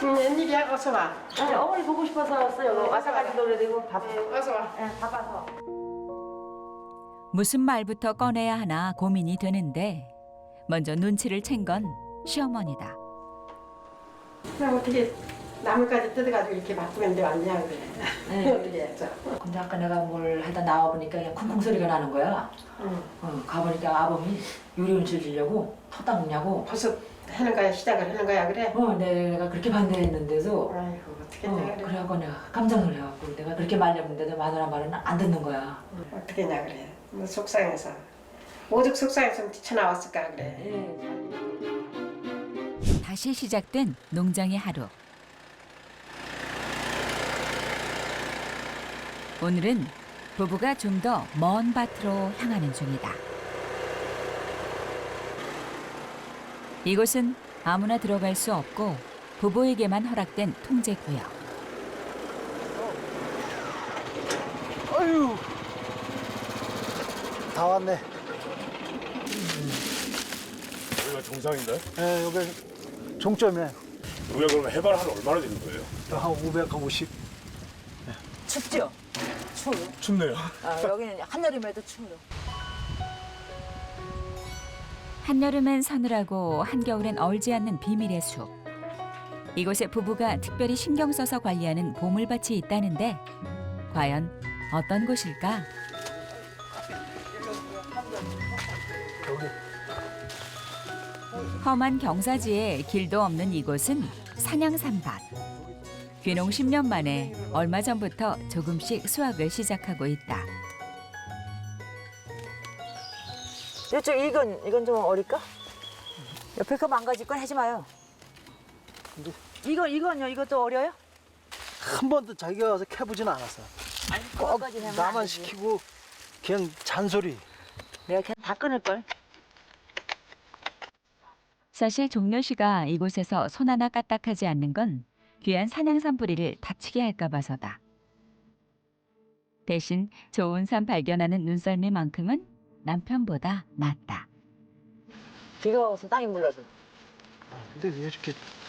웬일이야? 어서 와. 아니, 어머니 보고 싶어서 왔어요. 와서 같이 놀아야 되고 밥. 어서 와. 네, 바빠서. 무슨 말부터 꺼내야 하나 고민이 되는데 먼저 눈치를 챈 건 시어머니다. 그럼 어떻게 나물까지 뜯어가지고 이렇게 바쁘게 왔냐 그래. 네. 어떻게 했어? 근데 아까 내가 뭘 하다 나와보니까 그냥 쿵쿵 소리가 나는 거야. 응. 가보니까 아범이 요리 음식 주려고 터 닦느냐고. 벌써 하는 거야? 시작을 하는 거야 그래? 내가 그렇게 반대했는데도 아이고 어떻게 했냐 그래. 그래갖고 내가 깜짝 놀래갖고 내가 그렇게 말렸는데도 마누라 말은 안 듣는 거야. 어떻게 했냐 그래. 뭐 속상해서. 오죽 속상해서 뛰쳐나왔을까 그래. 네. 다시 시작된 농장의 하루. 오늘은 부부가 좀 더 먼 밭으로 향하는 중이다. 이곳은 아무나 들어갈 수 없고 부부에게만 허락된 통제구역. 아유, 다 왔네. 여기가 정상인가요? 네, 여기 종점이에요. 우리가 그러면 해발 한 얼마나 되는 거예요? 한 550. 춥죠? 추워. 춥네요. 여기는 한여름에도 추워요. 한여름엔 서늘하고 한겨울엔 얼지 않는 비밀의 숲. 이곳에 부부가 특별히 신경 써서 관리하는 보물밭이 있다는데 과연 어떤 곳일까? 험한 경사지에 길도 없는 이곳은 산양산밭. 귀농 10년 만에 얼마 전부터 조금씩 수확을 시작하고 있다. 이쪽 이건 좀 어릴까? 옆에 거 망가질 건 하지 마요. 이건요? 이것도 어려요? 한 번도 자기가 와서 캐보진 않았어. 꼭 그거까지는 하면 안 나만 되지. 시키고 그냥 잔소리. 내가 그냥 다 끊을 걸. 사실 종려 씨가 이곳에서 손 하나 까딱하지 않는 건 귀한 산양산 뿌리를 다치게 할까 봐서다. 대신 좋은 산 발견하는 눈썰미만큼은 남편보다 낫다. 비가 와서 땅이 물러서. 근데 왜 이렇게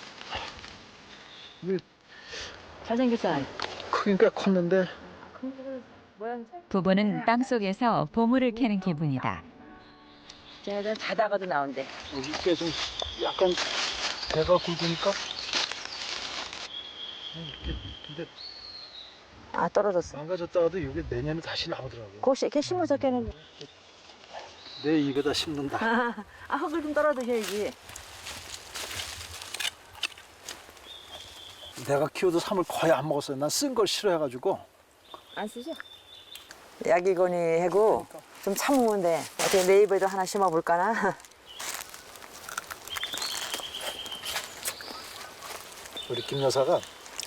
왜 잘생겼어. 크긴 꽤 컸는데 모양 부부는 땅속에서 보물을 캐는 기분이다. 쟤네들 자다가도 나온대. 여기 꽤좀 약간 배가 굵으니까 이렇게 근데 떨어졌어. 망가졌다가도 이게 내년에 다시 나오더라고. 혹시 이렇게 심어서 깨는. 내 입에다 심는다. 흙을 좀 떨어 드셔야지. 내가 키워도 삼을 거의 안 먹었어요. 난 쓴 걸 싫어해가지고. 안 쓰죠? 약이거니 하고 좀 참으면 돼. 어떻게 내 입에도 하나 심어볼까나? 우리 김 여사가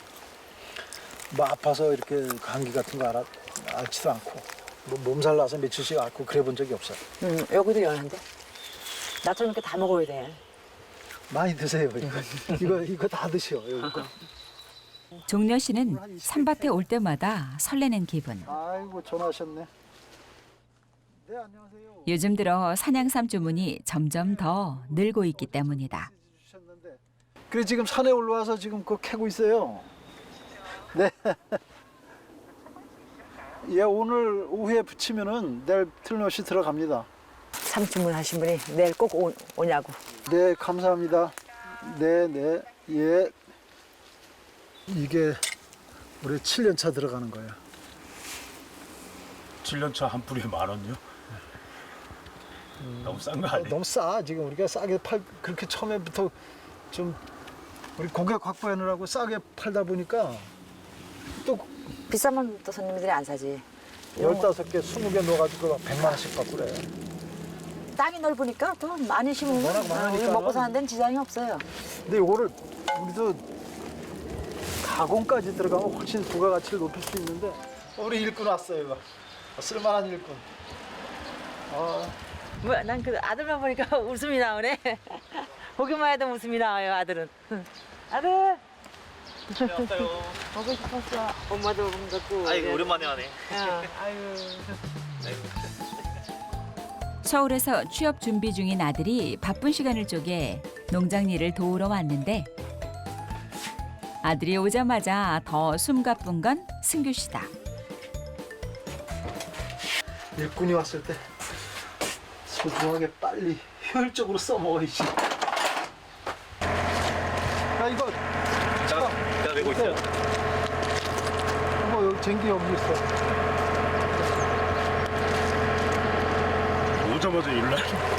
뭐 아파서 이렇게 감기 같은 거 앓지도 않고 뭐 몸살 나서 며칠씩 앓고 그래 본 적이 없어요. 여기도 연한데? 나처럼 이렇게 다 먹어야 돼. 많이 드세요. 이거 다 드셔. 이거. 종려 씨는 산밭에 올 때마다 설레는 기분. 아이고 전화하셨네. 네 안녕하세요. 요즘 들어 산양삼 주문이 점점 더 늘고 있기 때문이다. 주셨는데. 그래 지금 산에 올라와서 지금 그거 캐고 있어요. 네. 예 오늘 오후에 붙이면은 내일 틀림없이 들어갑니다. 삼주문 하신 분이 내일 꼭 오냐고. 네 감사합니다. 네 예. 이게 올해 7년 차 들어가는 거예요. 7년차 한 뿌리에 10,000원요? 너무 싼 거 아니에요? 너무 싸. 지금 우리가 싸게 그렇게 처음에부터 좀 우리 고객 확보하느라고 싸게 팔다 보니까 또 비싸면 또 손님들이 안 사지. 15개, 20개 넣어가지고 100만 원씩 받고 그래. 땅이 넓으니까 또 많이 심으면 워낙 많으니까. 우리 먹고 사는 데는 지장이 없어요. 근데 이거를 우리도 가공까지 들어가면 훨씬 부가가치를 높일 수 있는데 우리 일꾼 왔어요. 이거. 쓸만한 일꾼. 뭐야, 난 그 아들만 보니까 웃음이 나오네. 보기만 해도 웃음이 나와요, 아들은. 아들! 안녕하세요. 보고 싶었어. 엄마도 보는 것도. 아이고 오랜만에 하네. 아유. 서울에서 취업 준비 중인 아들이 바쁜 시간을 쪼개 농장 일을 도우러 왔는데 아들이 오자마자 더 숨가쁜 건 승규 씨다. 일꾼이 왔을 때 소중하게 빨리 효율적으로 써먹어야지. 야 이거 제가 메고 있어요. 이거 여기 쟁기 여기 있어. 오자마자 일날.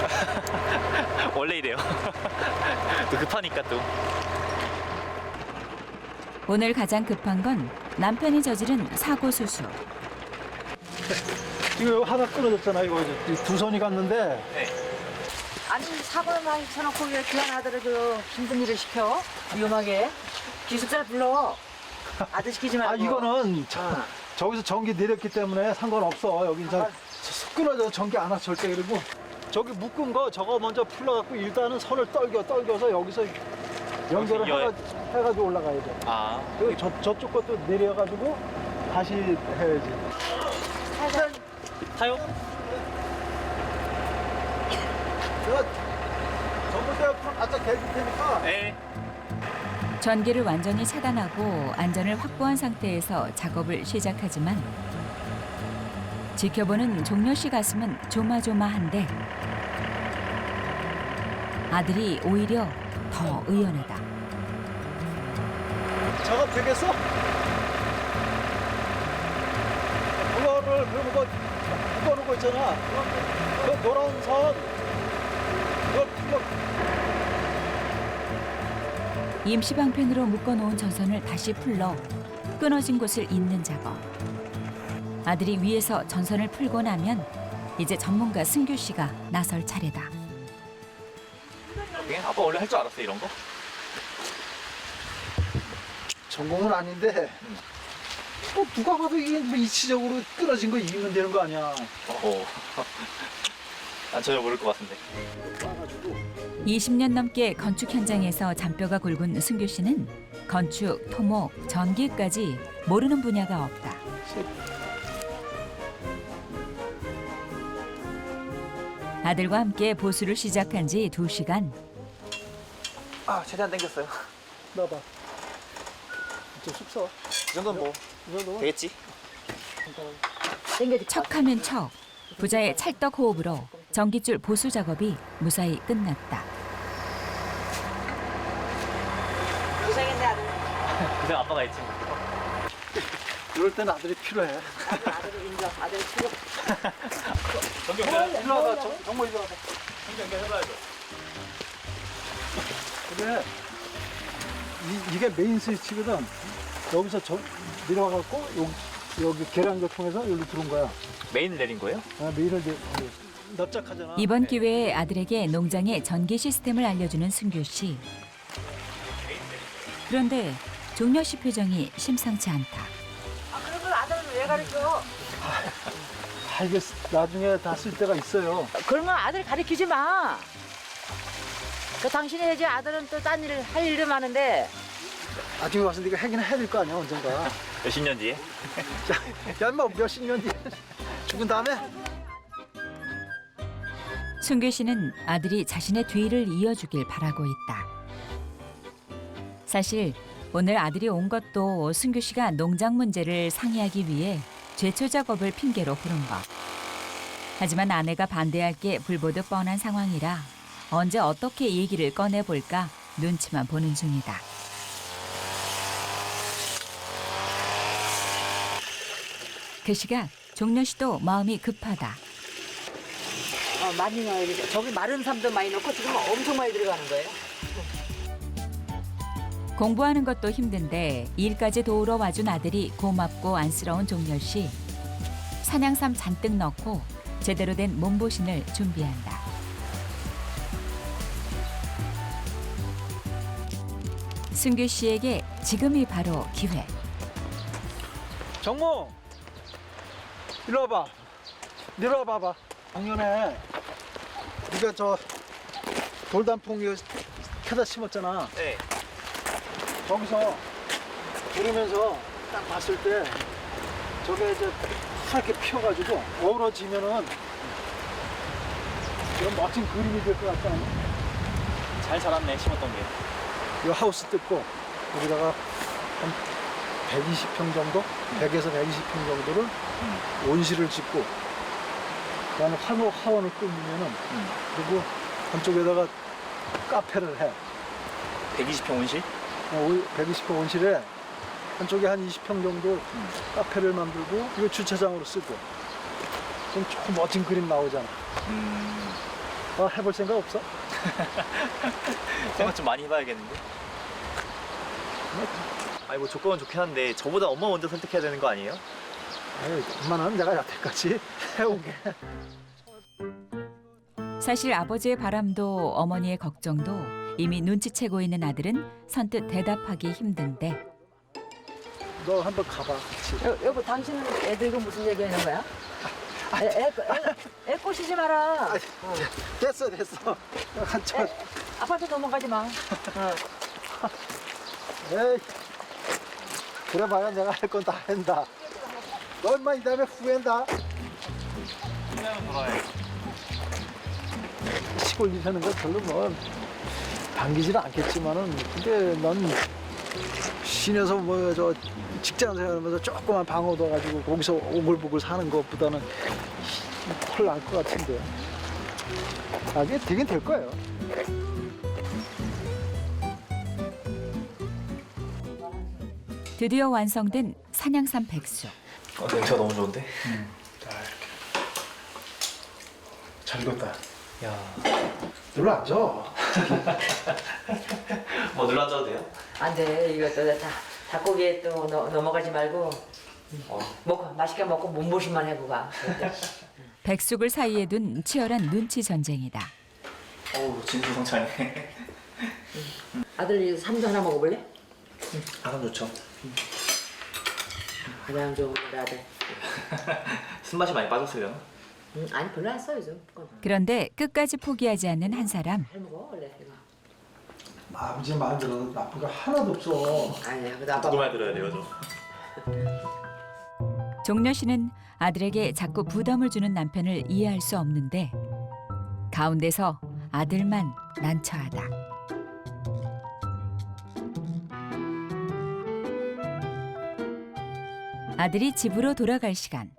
원래 이래요. 또 급하니까 또. 오늘 가장 급한 건 남편이 저지른 사고 수수. 이거 하나 끊어졌잖아. 이거 이제 두 손이 갔는데 아니 사고를 많이 쳐놓고 왜 귀한 아들을 그 힘든 일을 시켜? 위험하게. 기숙사를 불러. 아들 시키지 말고. 아 이거는 저기서 전기 내렸기 때문에 상관없어. 여기 이제 끊어져서 전기 안 와 절대. 그리고 저기 묶은 거 저거 먼저 풀러갖고 일단은 선을 떨겨서 여기서 연결을 해가지고 올라가야 돼. 아. 그리고 저쪽 것도 내려가지고 다시 해야지. 타요? 내가 전봇대 바짝 대줄 테니까. 네. 전기를 완전히 차단하고 안전을 확보한 상태에서 작업을 시작하지만 지켜보는 종려 씨 가슴은 조마조마한데 아들이 오히려 더 의연하다. 작업 되겠어? 그거를 그러면 그 묶어놓은 거 있잖아. 그 노란 선 그걸 풀러. 임시방편으로 묶어놓은 전선을 다시 풀러 끊어진 곳을 잇는 작업. 아들이 위에서 전선을 풀고 나면 이제 전문가 승규 씨가 나설 차례다. 아빠 원래 할 줄 알았어 이런 거? 전공은 아닌데 누가 봐도 이게 뭐 이치적으로 끊어진 거 이기면 되는 거 아니야. 난 전혀 모를 것 같은데. 20년 넘게 건축 현장에서 잔뼈가 굵은 승규 씨는 건축, 토목, 전기까지 모르는 분야가 없다. 아들과 함께 보수를 시작한 지 2시간. 아 최대한 당겼어요. 나봐. 좀 쑥서. 이 정도는 뭐 이 정도. 되겠지? 척하면 척. 부자의 찰떡 호흡으로 전기줄 보수 작업이 무사히 끝났다. 고생했네 아들. 그냥 아빠가 했지. 이럴 땐 아들이 필요해. 아들을 인정. 아들 필요. 전기 일로 와봐. 정모 일로 와봐. 전기 해봐야죠. 그래. 이게 메인 스위치거든. 여기서 내려와갖고 여기 계량기 통해서 여기로 들어온 거야. 메인 내린 거예요? 아, 메인을 납작하잖아. 이번 기회에 아들에게 농장의 전기 시스템을 알려주는 승규 씨. 그런데 종려 씨 표정이 심상치 않다. 아 그러면 아들을 왜 가르쳐? 아, 이게 나중에 다 쓸 때가 있어요. 그러면 아들 가르치지 마. 그 당신이 해야지. 아들은 또 딴 일을 할 일도 많은데. 나중에 와서 네가 하긴 해야 될 거 아니야 언젠가. 몇십 년 뒤에? 야 인마 몇십 년 뒤에 죽은 다음에. 승규 씨는 아들이 자신의 뒤를 이어주길 바라고 있다. 사실 오늘 아들이 온 것도 승규 씨가 농장 문제를 상의하기 위해 제초 작업을 핑계로 부른 것. 하지만 아내가 반대할 게 불보듯 뻔한 상황이라 언제 어떻게 얘기를 꺼내볼까 눈치만 보는 중이다. 그 시각 종려 씨도 마음이 급하다. 많이 넣어야 돼. 저기 마른 삶도 많이 넣고 지금 엄청 많이 들어가는 거예요. 공부하는 것도 힘든데 일까지 도우러 와준 아들이 고맙고 안쓰러운 종려 씨. 산양삼 잔뜩 넣고 제대로 된 몸보신을 준비한다. 승규 씨에게 지금이 바로 기회. 정모 일로 와봐. 내려와 봐봐. 작년에 네가 저 돌단풍 이거 캐다 심었잖아. 네. 거기서 들으면서 딱 봤을 때 저게 이제 하얗게 피어가지고 어우러지면은 이런 멋진 그림이 될 것 같지 않아? 잘 자랐네 심었던 게. 이 하우스 뜯고 여기다가 한 120평 정도? 100에서 120평 정도를 온실을 짓고 그다음에 화원을 꾸미면은 그리고 한쪽에다가 카페를 해. 120평 온실? 120평 온실에 한쪽에 한 20평 정도 카페를 만들고 이거 주차장으로 쓰고 그럼 조금 멋진 그림 나오잖아. 해볼 생각 없어? 생각 좀 많이 해봐야겠는데. 아니 뭐 조건은 좋긴 한데 저보다 엄마 먼저 설득해야 되는 거 아니에요? 아유, 엄마는 내가 여태까지 해오게. 사실 아버지의 바람도 어머니의 걱정도 이미 눈치채고 있는 아들은 선뜻 대답하기 힘든데 너 한번 가봐. 같이. 여보, 당신은 애들과 무슨 얘기하는 거야? 애 꼬시지 마라. 됐어. 한참. 아파트 넘어가지 마. 에이. 그래봐야 내가 할 건 다 한다. 너 인마 이 다음에 후회한다. 그냥 돌아야 시골 일 하는 거 별로 뭐 반기지는 않겠지만은 근데 넌 시내에서 뭐 저 직장 생활하면서 조그만 방 얻어가지고 거기서 오글보글 사는 것보다는 훨 나을 것 같은데. 나중에 되긴 될 거예요. 드디어 완성된 산양산 백숙. 냄새가 너무 좋은데? 잘 익었다. 야, 눌러 앉아. 뭐 눌러 앉아도 돼요? 안 돼. 이것도 닭고기에 또 넘어가지 말고 먹고 맛있게 먹고 몸보신만 해고 가. 백숙을 사이에 둔 치열한 눈치 전쟁이다. 어우, 진수성찬이네. 아들 삼도 하나 먹어볼래? 아감 좋죠. 가장 좋은 우리 아들. 술맛이 많이 빠졌어요. 아니 별로 안 써 요즘. 그런데 끝까지 포기하지 않는 한 사람. 잘 먹어 원래 이거. 아버지 말 들어도 나쁜 거 하나도 없어. 아니야. 그래도 아빠 누구 말 들어야 돼요, 저? 종려 씨는 아들에게 자꾸 부담을 주는 남편을 이해할 수 없는데 가운데서 아들만 난처하다. 아들이 집으로 돌아갈 시간.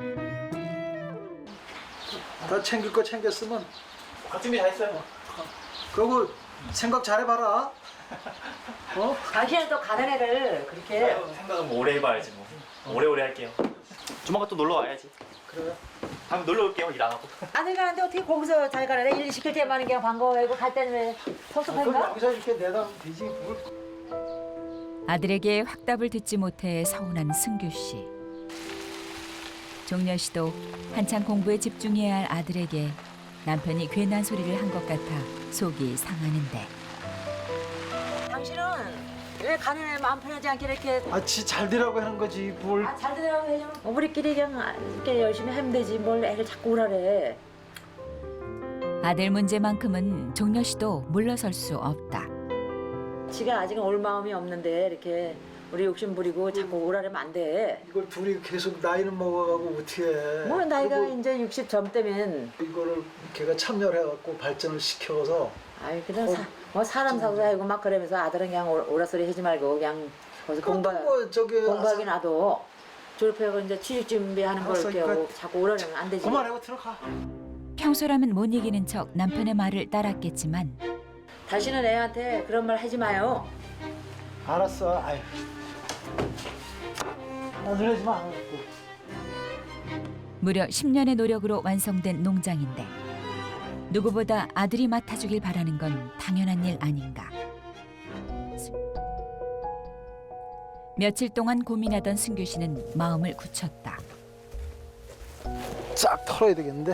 다 챙길 거 챙겼으면 각 준비 다 했어요. 그리고 생각 잘해봐라. 어? 당신은 또 가는 애를 그렇게 생각은 뭐 오래 해봐야지 뭐. 오래오래 할게요. 조만간 또 놀러 와야지. 그래. 다음에 놀러 올게요, 일 안 하고. 아들 가는데 어떻게 거기서 잘 가래? 일 시킬 때만 그냥 반가워하고 갈 때는 왜 그럼 섭섭한가? 여기서 이렇게 내다 되지. 뭘. 아들에게 확답을 듣지 못해 서운한 승규 씨. 종려 씨도 한창 공부에 집중해야 할 아들에게 남편이 괜한 소리를 한 것 같아 속이 상하는데 당신은 왜 가는 애 마음 편하지 않게 이렇게 잘 되라고 하는 거지 뭘. 잘 되라고 해요. 우리끼리 그냥 이렇게 열심히 하면 되지 뭘 애를 자꾸 오라래. 아들 문제만큼은 종려 씨도 물러설 수 없다. 지가 아직은 올 마음이 없는데 이렇게 우리 욕심 부리고 자꾸 오라래면 안 돼. 이걸 둘이 계속 나이는 먹어가고 어떻게 해. 뭐 나이가 그리고 이제 60 점대면 이거를 걔가 참여를 해갖고 발전을 시켜서 아이 그냥 뭐 사람 사고 살고 막 그러면서 아들은 그냥 오라 소리 하지 말고 그냥 거기서 뭐 저기 공부하긴 놔둬. 졸업하고 이제 취직 준비하는 걸 알았어, 이렇게 하고 자꾸 오라면 안 되지. 그만하고 들어가. 평소라면 못 이기는 척 남편의 말을 따랐겠지만 다시는 애한테 그런 말 하지 마요. 알았어. 아유. 나 그러지 마. 무려 10년의 노력으로 완성된 농장인데 누구보다 아들이 맡아주길 바라는 건 당연한 일 아닌가. 며칠 동안 고민하던 승규 씨는 마음을 굳혔다. 싹 털어야 되겠는데.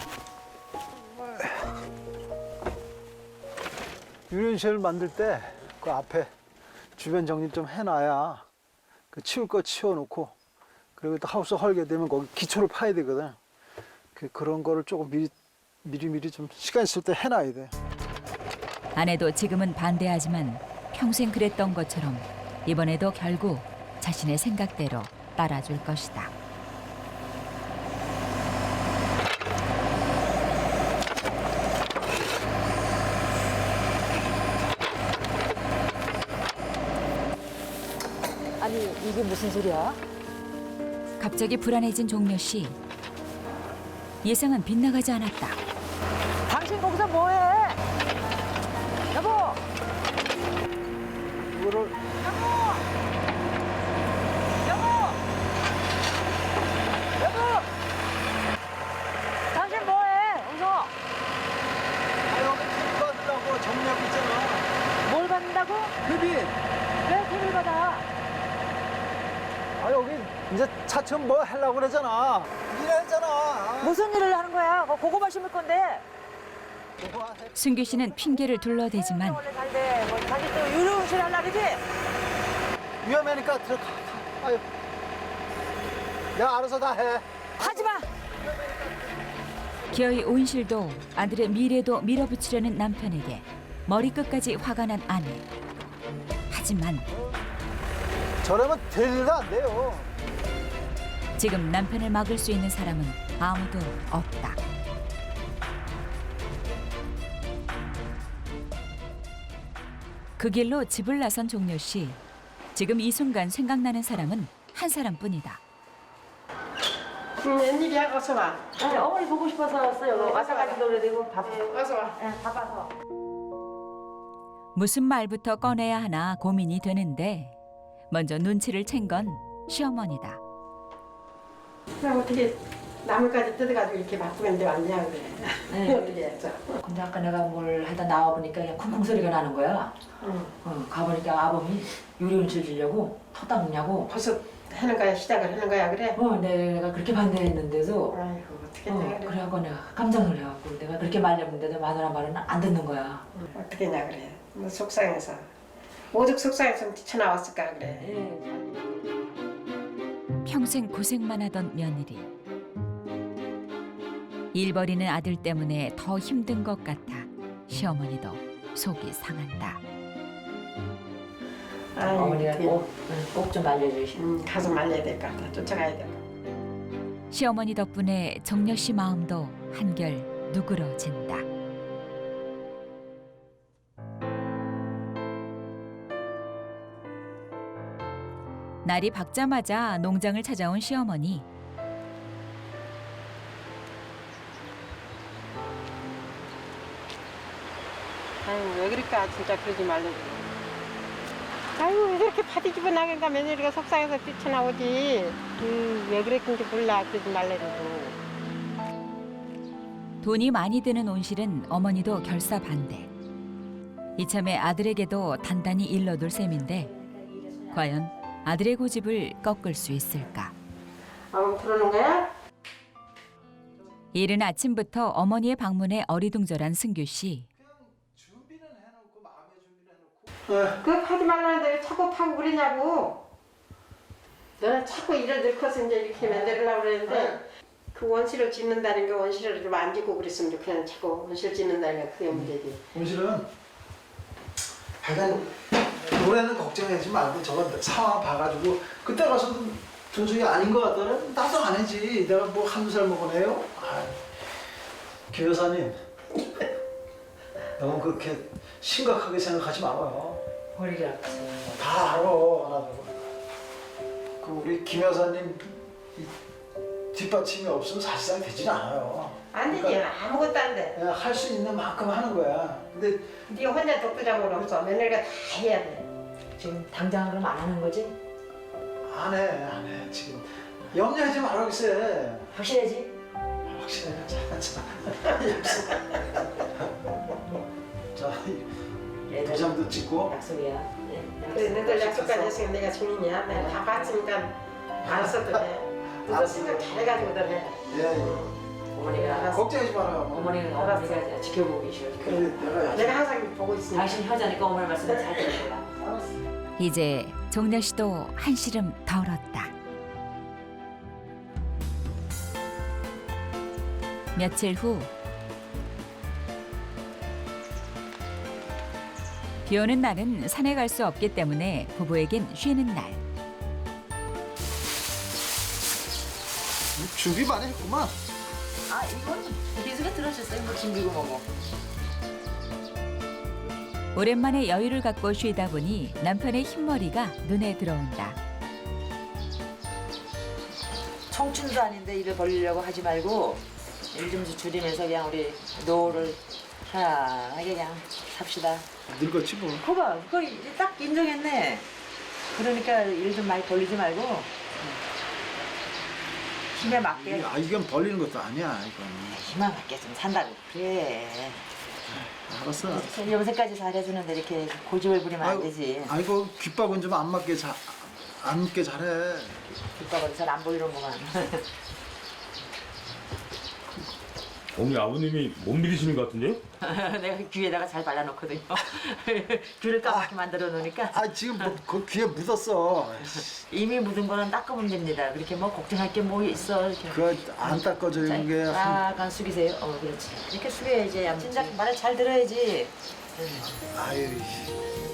유연실을 만들 때 그 앞에 주변 정리 좀 해놔야 그 치울 거 치워놓고 그리고 또 하우스 헐게 되면 거기 기초를 파야 되거든. 그런 거를 조금 미리 좀 시간 있을 때 해놔야 돼. 아내도 지금은 반대하지만 평생 그랬던 것처럼 이번에도 결국 자신의 생각대로 따라줄 것이다. 아니 이게 무슨 소리야? 갑자기 불안해진 종려 씨. 예상은 빗나가지 않았다. 당신 거기서 뭐해? 여보! 이거를 여보! 여보! 당신 뭐해? 여기서 여기 팁 받으려고 정리하고 있잖아. 뭘 받는다고? 흡입. 왜 돈을 받아? 아 여기 이제 차츰 뭐 하려고 그러잖아. 일하잖아. 무슨 일을 하는 거야? 고구마 심을 건데. 승규 씨는 핑계를 둘러대지만 원래 잘 돼. 뭐 자기 또 유흥실 하려 그러지? 위험하니까 들어가. 아유. 내가 알아서 다 해. 하지 마. 기어이 온실도 아들의 미래도 밀어붙이려는 남편에게 머리끝까지 화가 난 아내. 하지만 저러면 될 일도 안 돼요. 지금 남편을 막을 수 있는 사람은 아무도 없다. 그 길로 집을 나선 종려 씨. 지금 이 순간 생각나는 사람은 한 사람뿐이다. 웬일이야? 어서 와. 아니, 어머니 보고 싶어서 왔어요. 와서 가지고 그래 되고 밥. 어서 와. 바빠서. 무슨 말부터 꺼내야 하나 고민이 되는데 먼저 눈치를 챈 건 시어머니다. 그럼 어떻게 나물까지 뜯어가지고 이렇게 바쁘게 왔냐 그래. 네. 어떻게 했어? 근데 아까 내가 뭘 하다 나와보니까 그냥 쿵쿵 소리가 나는 거야. 응. 가보니까 아범이 유리온실 주려고 터 닦느냐고. 벌써 하는 거야? 시작을 하는 거야 그래? 내가 그렇게 반대했는데도 아이고 어떻게 했냐 그래. 그래갖고 내가 깜짝 놀래갖고 내가 그렇게 말렸는데도 마누라 말은 안 듣는 거야. 어떻게 했냐 그래. 뭐 속상해서. 오죽 속상해서 뛰쳐나왔을까 그래. 평생 고생만 하던 며느리. 일 버리는 아들 때문에 더 힘든 것 같아 시어머니도 속이 상한다. 아이고, 어머니가 어떡해. 꼭 좀 알려주시. 가서 말려야 될 것 같아. 쫓아가야 될 것 같아. 시어머니 덕분에 정려 씨 마음도 한결 누그러진다. 날이 밝자마자 농장을 찾아온 시어머니. 아이고 왜 그럴까 진짜 그러지 말라고. 아이고 왜 그렇게 파티 집어 나간가 며느리가 속상해서 뛰쳐나오지. 왜 그랬는지 몰라. 그러지 말라고. 돈이 많이 드는 온실은 어머니도 결사 반대. 이참에 아들에게도 단단히 일러둘 셈인데 과연 아들의 고집을 꺾을 수 있을까? 그러는 거야? 이른 아침부터 어머니의 방문에 어리둥절한 승규 씨. 그거 하지 말라는데 왜 자꾸 파고 그러냐고. 너는 자꾸 일을 늙어서 이제 이렇게 만들려고 그랬는데 그 원실을 짓는다는 게 원실을 좀 안 짓고 그랬으면 좋겠는 자꾸 원실 짓는다는 게 그게 문제지. 온실은 하여간 노래는 걱정하지 말고 저거 상황 봐가지고 그때 가서 준석이 아닌 것 같더라면 나도 안 해지. 내가 뭐 한두 살 먹어내요? 김 여사님 너무 그렇게 심각하게 생각하지 말아요. 머리가 아프지. 다 알아 나도. 그 우리 김 여사님 이 뒷받침이 없으면 사실상 되진 않아요. 안 되지. 아무것도 안 돼. 그냥 할 수 있는 만큼 하는 거야. 근데 네가 혼자 독두장은 없어. 며느리가 다 해야 돼. 지금 당장 그럼 안 하는 거지? 안 해. 지금 염려하지 말아 글쎄. 확실하지? 확실해. 자, 도장도 찍고. 약속이야. 그래, 너들 약속까지 했으니까 내가 증인이야. 내가 다 봤으니까 알았어 또 해. 너도 생각 잘해가지고 너 해. 예. 어머니가 걱정하지 말아요. 어머니가 지켜보고 계셔. 그래, 내가 항상 보고 있으니까. 당신 효자니까 어머니 말씀을 잘 들을 거야. 이제 종려 씨도 한시름 덜었다. 며칠 후 비 오는 날은 산에 갈 수 없기 때문에 부부에겐 쉬는 날. 준비 많이 했구만. 이건 비수가 들어줬어요. 뭐 김비고 먹어. 오랜만에 여유를 갖고 쉬다 보니 남편의 흰머리가 눈에 들어온다. 청춘도 아닌데 일을 벌리려고 하지 말고 일 좀 줄이면서 그냥 우리 노후를 편안하게 그냥 삽시다. 늙었지 뭐. 거봐, 그거 이제 딱 인정했네. 그러니까 일 좀 많이 벌리지 말고 힘에 맞게, 이건 벌리는 것도 아니야 이건. 힘에 맞게 좀 산다고 그래. 알았어. 염색까지 잘해주는데 이렇게 고집을 부리면 안 되지. 아이고 귓밥은 좀 안 맞게 안 맞게 잘해. 뒷밥은 잘 안 보이는구만. 어머니 아버님이 못 믿으시는 것 같은데요? 내가 귀에다가 잘 발라놓거든요. 귀를 까맣게 만들어 놓으니까 아 지금 그 귀에 묻었어. 이미 묻은 거는 닦으면 됩니다. 그렇게 뭐 걱정할 게 뭐 있어. 이렇게. 그거 안 닦아져 자, 이런 게. 약간 숙이세요. 그렇지. 이렇게 숙여야지. 진작 말을 잘 들어야지. 아유.